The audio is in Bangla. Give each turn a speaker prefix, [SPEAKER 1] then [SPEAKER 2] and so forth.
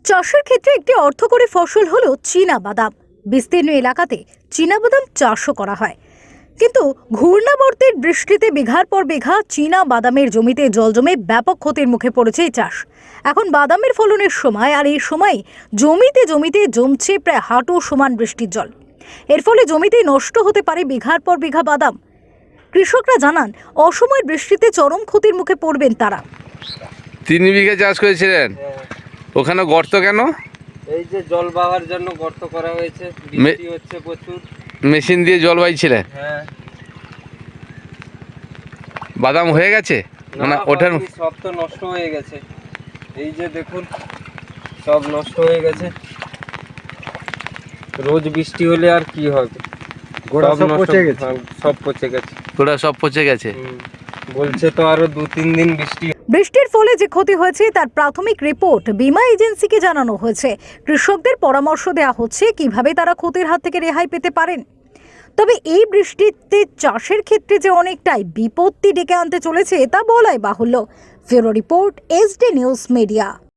[SPEAKER 1] চাষের ক্ষেত্রে একটি অর্থকরী ফসল হলো চীনা বাদাম। বিস্তীর্ণ এলাকাতে চীনা বাদাম চাষও করা হয়, কিন্তু ঘূর্ণাবর্তের বৃষ্টিতে বিঘার পর বিঘা চীনা বাদামের জমিতে জল জমে ব্যাপক ক্ষতির মুখে পড়েছে এই চাষ। এখন বাদামের ফলনের সময়, আর এই সময় জমিতে জমিতে জমছে প্রায় হাঁটু সমান বৃষ্টির জল। এর ফলে জমিতেই নষ্ট হতে পারে বিঘার পর বিঘা বাদাম। কৃষকরা জানান, অসময়ের বৃষ্টিতে চরম ক্ষতির মুখে পড়বেন তারা।
[SPEAKER 2] 3 বিঘা চাষ করেছিলেন, ওখানে গর্ত কেন?
[SPEAKER 3] এই যে জল বাওয়ার জন্য গর্ত করা হয়েছে, বৃষ্টি হচ্ছে প্রচুর।
[SPEAKER 2] মেশিন দিয়ে জল বাইছিলেন?
[SPEAKER 3] হ্যাঁ।
[SPEAKER 2] বাদাম হয়ে গেছে? মানে ওঠার
[SPEAKER 3] সব তো নষ্ট হয়ে গেছে, এই যে দেখুন সব নষ্ট হয়ে গেছে। রোজ বৃষ্টি হলে আর কি হবে, গোড়া সব পচে গেছে। সব পচে গেছে,
[SPEAKER 2] গোড়া সব পচে গেছে।
[SPEAKER 3] বলছে তো আরো 2-3 দিন
[SPEAKER 1] বৃষ্টির ফলে যে ক্ষতি হয়েছে তার প্রাথমিক রিপোর্ট বীমা এজেন্সিকে জানানো হয়েছে। কৃষকদের পরামর্শ দেওয়া হচ্ছে কিভাবে তারা ক্ষতির হাত থেকে রেহাই পেতে পারেন। তবে এই বৃষ্টিতে চাষের ক্ষেত্রে যে অনেকটাই বিপত্তি ডেকে আনতে চলেছে তা বলাই বাহুল্য। Bureau report, SD news media.